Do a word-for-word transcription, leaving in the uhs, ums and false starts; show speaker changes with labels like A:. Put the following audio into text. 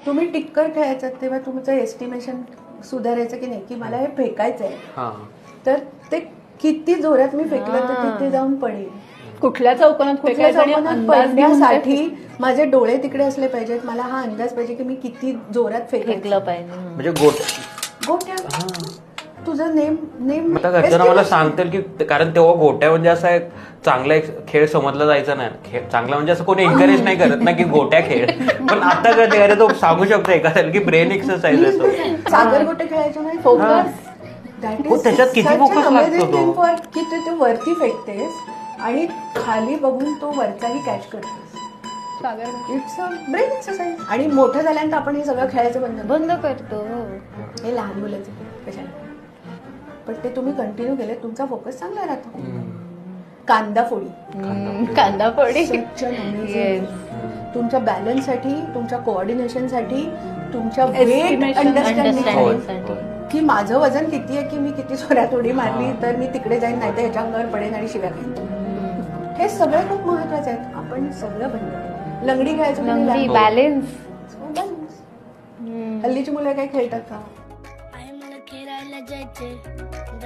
A: तुम्ही टिक्कर खेळायचं तेव्हा तुमचं एस्टिमेशन सुधारायचं की नाही, की मला हे फेकायचं आहे, तर ते किती जोरात मी फेकलं तर तिथे जाऊन पडेल.
B: कुठल्या चौकोनात
A: कुठल्या चौकोनात पडण्यासाठी माझे डोळे तिकडे असले पाहिजेत, मला हा अंदाज पाहिजे की मी किती जोरात फेकलं पाहिजे.
C: म्हणजे गोट
A: गोट्या तुझं नेम नेम
C: आता घरच्यांना मला सांगतील की, कारण तेव्हा गोट्या म्हणजे असा एक चांगला एक खेळ समजला जायचा नाही. खेळ चांगला म्हणजे असं कोणी एन्करेज नाही करत ना की गोट्या खेळ, पण आता कळते अरे तो सांगू शकतो एखाद्याला की ब्रेन एक्सरसाइज आहे तो.
A: सागर गोटे खेळायचो नाही, फोकस
C: त्याच्यात किती फोकस लागतो तो,
A: की तू ते वरती फेकतेस आणि खाली बघून तो वरचाही कॅच करतेस. It's a brain exercise. आणि मोठं झाल्यानंतर आपण हे सगळं खेळायचं बंद
B: बंद करतो.
A: हे लहान मुलाचं कशाला, पण ते तुम्ही कंटिन्यू केले तुमचा फोकस चांगला राहतो. कांदा फोडी
B: कांदा फोडी
A: तुमच्या बॅलन्ससाठी, तुमच्या कोऑर्डिनेशनसाठी, तुमच्या वेट अंडरस्टँडिंग की माझं वजन किती आहे, की मी किती जोरात उडी मारली तर मी तिकडे जाईन, नाही तर ह्याच्या अंगावर पडेन आणि शिव्या खाईन. हे सगळं खूप महत्वाचं आहे. आपण सगळं बंद केलं. लंगडी खेळायचं,
B: बॅलन्स.
A: हल्लीची मुलं काय खेळतात का?